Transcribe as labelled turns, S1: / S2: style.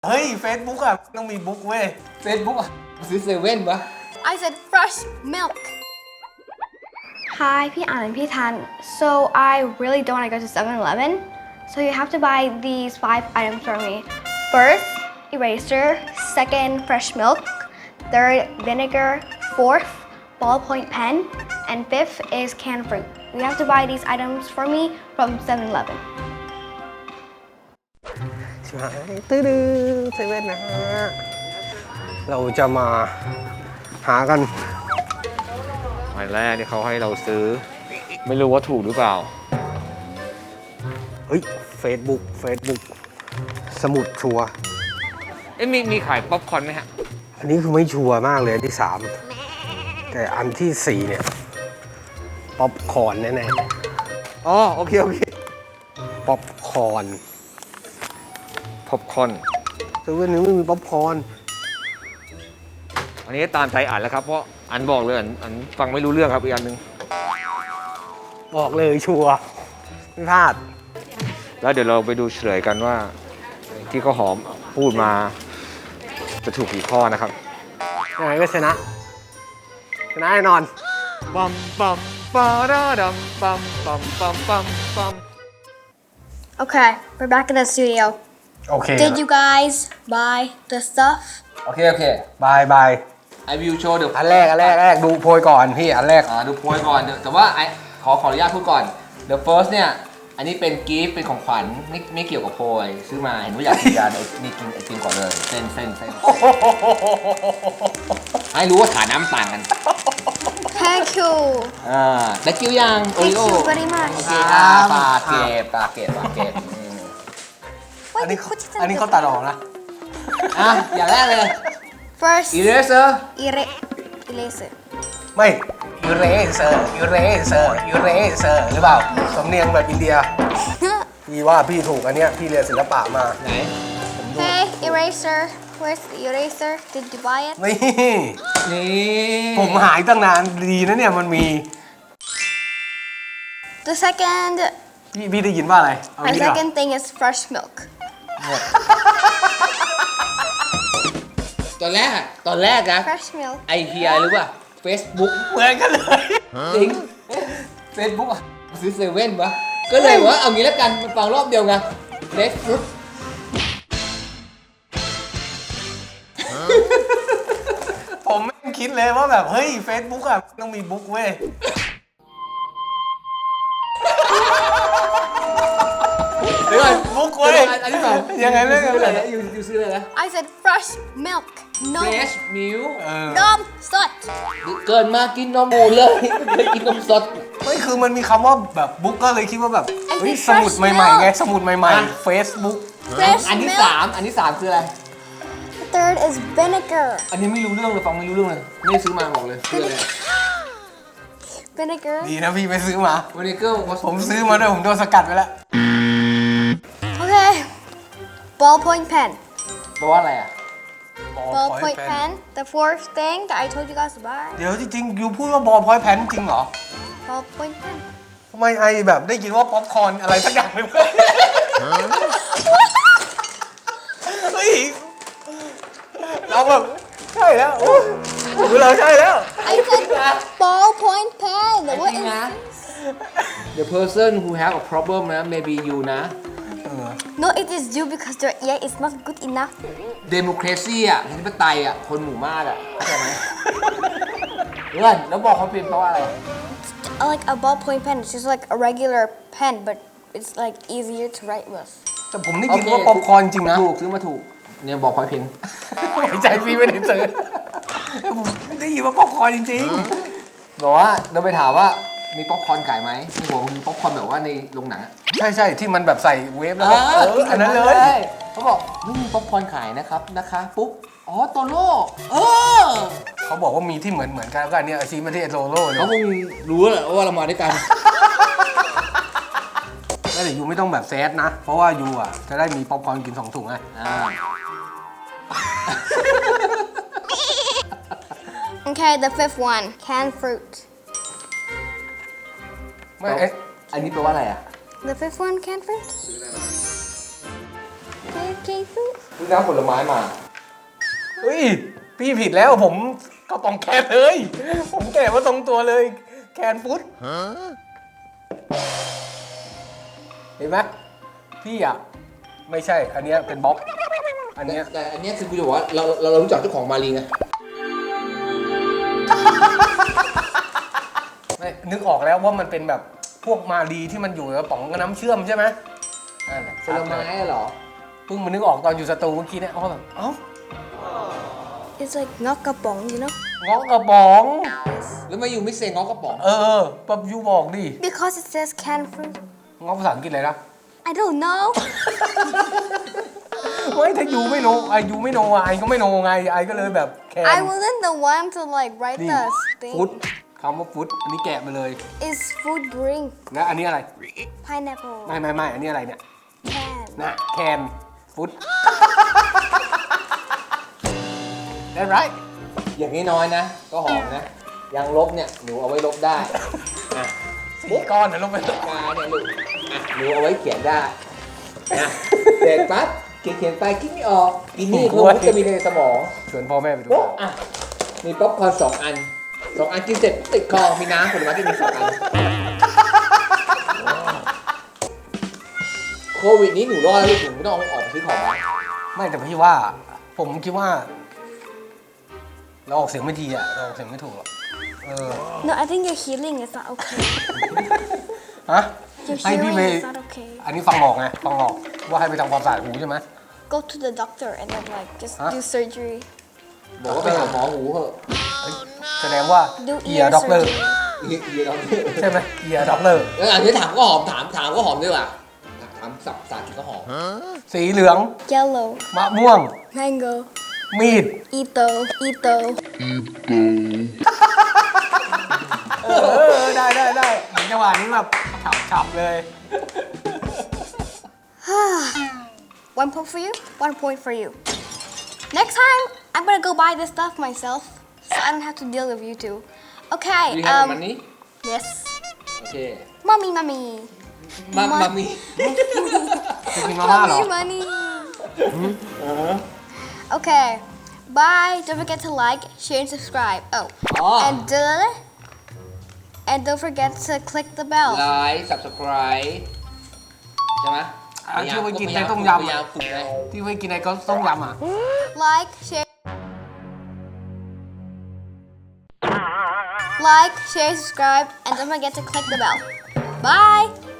S1: เฮ้ย Facebook อ่ะต้องมีบุ๊กเว้ย
S2: Facebook อ่ะซื้อเซเว่นปะ
S3: I said fresh milk. Hi, พี่อ่านพี่ทัน So I really don't want to go to 7-Eleven. So you have to buy these 5 items for me. First, eraser. Second, fresh milk. Third, vinegar. Fourth, ballpoint pen. And fifth is canned fruit. You have to buy these items for me from 7-Eleven.
S1: ชิบหายตื้อเซเว่นนะฮะ เราจะมาหากัน
S2: อันแรกที่เขาให้เราซื้อ ไม่รู้ว่าถูกหรือเปล่า
S1: เฮ้ย Facebook สมุดชัวร์
S2: มีขายป๊อปคอร์นไหมฮะ
S1: อันนี้คือไม่ชัวร์มากเลยอันที่ 3 แต่อันที่ 4 เนี่ยป๊อปคอร์นแน่
S2: อ๋อโอเค
S1: ๆป๊อปคอร์น
S2: ป๊อปคอร์น
S1: เซเว่นนี้ไม่มีป๊อปคอร์น
S2: อันนี้ตามใจอ่านแล้วครับ เพราะอันบอกเลยอันฟังไม่รู้เรื่องครับอีกอันหนึง
S1: บอกเลยชัวร์ไม่พลาด
S2: แล้วเดี๋ยวเราไปดูเฉลยกันว่า ที่เขาหอมพูดมาจะถูกกี่ข้อนะครับ
S1: ยังไงก็ชนะแน่นอน
S2: ปัมปัมปาราดัมปัมปัมปัมปัมปัม
S3: Okay, we're back in the studio.
S1: โอเค
S3: Did you guys buy the stuff?
S2: โอเค
S1: บาย
S2: I will show the
S1: อันแรกดูโพยก่อนพี่อันแรก
S2: ดูโพยก่อนแต่ว่าขออนุญาตพูดก่อน The first เนี่ย อันนี้เป็นกิฟต์เป็นของขวัญไม่เกี่ยวกับโพยซื้อมาเห็นว่าอยากกินยานี่กินไอติมก่อนเลยเส้นให้รู้ว่าฐานะมันต่างกัน
S3: Thank you.
S2: ได้กิ้วยังโอ
S3: Thank
S2: ริโอ
S3: you very much.
S2: โอเคปาเก็บ
S1: อันนี้เขาตัดออกนะ
S2: อย่างแรกเลย
S3: First,
S2: eraser
S3: eraser.
S1: ไม่ยูเรเซอร์หรือเปล่าสำเนียงแบบอินเดีย พี่ว่าพี่ถูกอันเนี้ยพี่เรียนศิลปะมา
S2: ไหน
S3: Hey, eraser. Where's the eraser? Did you buy it?
S1: นี่
S2: นี่
S1: ผมหายตั้งนานดีนะเนี่ยมันมี
S3: The second,
S1: พี่ได้ยินว่าอะไรเอา
S3: my
S1: งี้ดีกว่า
S3: second thing is fresh milk.
S2: ตอนแรกนะ
S3: Fresh milk.
S2: ไอเฮียรู้ป่ะ Facebook
S1: เหมือนกันเลย
S2: จริง Facebook อ่ะซื้อเซเว่นปะก็เลยว่าเอางี้แล้วกันมันฟังรอบเดียวไง Facebook
S1: ผมไม่คิดเลยว่าแบบเฮ้ย Facebook อ่ะต้องมีบุ๊กเว้ย
S2: เดี๋ยวก่อน
S1: บุ๊กเว้ย
S2: อันที่สอง
S1: ยังไงเรื่อง
S2: ซื้อ
S1: อะไร
S2: อะไรนะอยู่ซื้ออะไรนะ
S3: I said fresh milk. No.
S2: Fresh milk
S3: Nom sot.
S2: เกินมากินนมหมูเลยไม่เคยกินนมสด
S1: ไม่คือมันมีคำว่าแบบบุ๊กก็เลยคิดว่าแบบเฮ้ย
S3: ไอ้
S1: สมุดใหม่ๆไงสมุดใหม่ๆ Facebook
S3: Fresh
S2: อันที่
S3: milk.
S2: สามคืออะไร
S3: Third is vinegar.
S2: อันนี้ไม่รู้เรื่องเลยฟังไม่รู้เรื่องเลยไม่ได้ซื้อมาบอกเลยคืออะไร
S3: Vinegar.
S1: ดีนะพี่ไปซื้อมา
S2: วันนี้ก็
S1: ผมซื้อมาด้วยผมโดนสกัดไปแล้ว
S3: Okay. Ballpoint pen.
S2: แปลว่าอะไรอ่ะ
S3: Ballpoint pen. The fourth thing that I told you guys to buy.
S1: เดี๋ยวจริงๆยูพูดว่าบอลพอยต์แพนจริงเหรอ
S3: Ballpoint pen.
S1: ทำไมไอแบบได้ยินว่าป๊อปคอร์นอะไรสักอย่างเลยเฮ้ยเราแบบใช่แล้วโอ้ยดูเราใช่แล้ว
S3: I said ballpoint pen. What
S2: จริง
S3: is
S2: นะ The person who have a problem นะ maybe you นะ
S3: No, it is you because your ear is not good enough.
S2: democracy อ่ะประชาธิปไตยอ่ะคนหมู่มากอ่ะเข้าใจไหมเพื่อนแล้วบอกเขาเป็นเพราะว่าอะไร
S3: Like a ballpoint pen, it's just like a regular pen, but it's like easier to write with.
S1: แต่ผมได้ยินว่าป๊อปคอร์นจริงนะ
S2: ถูกซื้อมาถูกเนี่ยบอกพอยเพน
S1: ใจพี่ไม่ได้ซื้อผมได้ยินว่าป๊อปคอร์นจริง
S2: บอกว่าเราไปถามว่ามีป๊อปคอร์นขายไหมที่บอกว่ามีป๊อปคอร์นแบบว่าในโรงหนังอะ
S1: ๆใช่ที่มันแบบใส่เวฟแล้วก็อันนั้นเลย
S2: เขาบอกไม่มีป๊อปคอร์นขายนะครับนะคะปุ๊บอ๋อโตโร่อ
S1: เขาบอกว่ามีที่เหมือนกันก็อันเนี้ยอาชีพไม่ใช่โซโล่เนี่
S2: เขา
S1: ย
S2: คงรู้แหละว่าเรามาด้วยกัน
S1: แล้วแต่ยูไม่ต้องแบบแซดนะ เพราะว่ายูอ่ะจะได้มีป๊อปคอร์นกิน2 ถุงไง
S3: Okay, the fifth one, canned fruit.
S1: ไม่เอ๊ะ
S2: อันนี้แปลว่าอะไรอ่ะ
S3: The fifth one, canned fruit. Canned fruit.
S2: ซื้อน้ำผลไม้มา
S1: เฮ้ย พี่ผิดแล้วผมกระป๋องแคนเลย ผมแกะมาตรงตัวเลย แคนฟุตเห็นไหมพี่อ่ะ ไม่ใช่ อันเนี้ยเป็นบล็อก อันเนี้ย
S2: แต่อันเนี้ยคือกูจะบอกว่าเรารู้จักเจ้าของมารีไง
S1: ไม่นึกออกแล้วว่ามันเป็นแบบพวกมาดีที่มันอยู่ในกระป๋องกับน้ำเชื่อมใช่ไหมนั่นแหละ
S2: ผลไม้เหรอ
S1: เพิ่งมานึกออกตอนอยู่สตูเมื่อกี้เนี่ยอ๋อแบบเอ้า
S3: It's like ngokapong, you know?
S1: เงาะกระป๋อง
S2: แล้วมาอยู่ไม่เซงง้อกระป๋อง
S1: ปั๊บยูบอกดิ
S3: Because it says canned fruit.
S1: เงาะภาษาอังกฤษอะไรนะ
S3: I don't know.
S1: ไม่ถ้ายูไม่โนยูไม่โนไอก็ไม่โนไงไอก็เลยแบบแคน
S3: I wasn't the one to like write
S1: นี่
S3: the
S1: ฟุต
S3: thing.
S1: คำว่าฟุตอันนี้แกะมาเลย
S3: It's food drink.
S1: นะอันนี้อะไร
S3: Pineapple.
S1: ไม่อันนี้อะไรเนี่ย
S3: Can.
S1: นะแคนฟุต ได้ไร
S2: อย่างนี้น้อยๆนะ ก็หอมนะยางลบเนี่ยหนูเอาไว้ลบได้อ่ะ
S1: สี่ก้อนนะลงไป
S2: ปากกาเนี่ยลูกอ่ะหนูเอาไว้เขียนได้นะเด็กปั๊บเขียนไปคิดไม่ออกกินนี่คือวิตามินในสมอง
S1: ชวนพ่อแม่ไปดู
S2: โป๊ะอ่ะมีป๊อปคอร์น2 อัน 2 อันกินเสร็จติดคอมีน้ำผลไม้กินอีก2 อันโควิดนี้หนูรอดแล้วลูกหนูไม่ต้องออกไปซื้อของแล้ว
S1: ไม่แต่พี่ว่า ผมคิดว่า เราออกเสียงไม่ดีอ่ะเราออกเสียงไม่ถูกหรอก
S3: No, I think your healing is not okay.
S1: ฮะ
S3: Your
S1: ให้พี่
S3: healing
S1: ไป
S3: is not okay.
S1: อันนี้ฟังออกไงฟังออกว่าให้ไปทำความสะอาดหูใช่ไหม
S3: Go to the doctor and then like just
S1: Huh?
S3: do surgery.
S2: บอกว่าไปหาหมอหูเถอะ
S1: แสดงว่า
S3: Do
S1: เอีย
S3: ear
S1: ด็อกเตอร์
S3: surgery.
S2: เฮียเราเนี่ย
S1: ใช่ไหมเอียด็อกเตอร์
S2: อันนี้ถามก็หอมถามก็หอมด้วยว่ะถามสับสากินก็หอม
S1: สีเหลือง
S3: Yellow.
S1: มะม่วง
S3: Mango.
S1: มีด
S3: Ito. Ito.
S1: ได้เหมือนจังหวะนี้แบบฉับเลย
S3: 1 point for you. 1 point for you. Next time, I'm gonna go buy this stuff myself, so I don't have to deal with you two. Okay.
S2: Do you have money
S3: Yes.
S2: โอเค
S3: Mommy.
S2: มามี
S1: จะกินมาม่าเหรอ
S3: Money. Okay. Bye. Don't forget to like, share, and subscribe. Oh.
S2: อ๋อ
S3: And don't forget to click the bell.
S2: ไลค์ subscribe ใช่ไหม
S1: ที่ไว้กินในต้มยำ
S2: พยายามฝึกไง
S1: ที่ไว้กินในก็ต้มยำอ่ะ
S3: Like, share, subscribe, and don't forget to click the bell. Bye.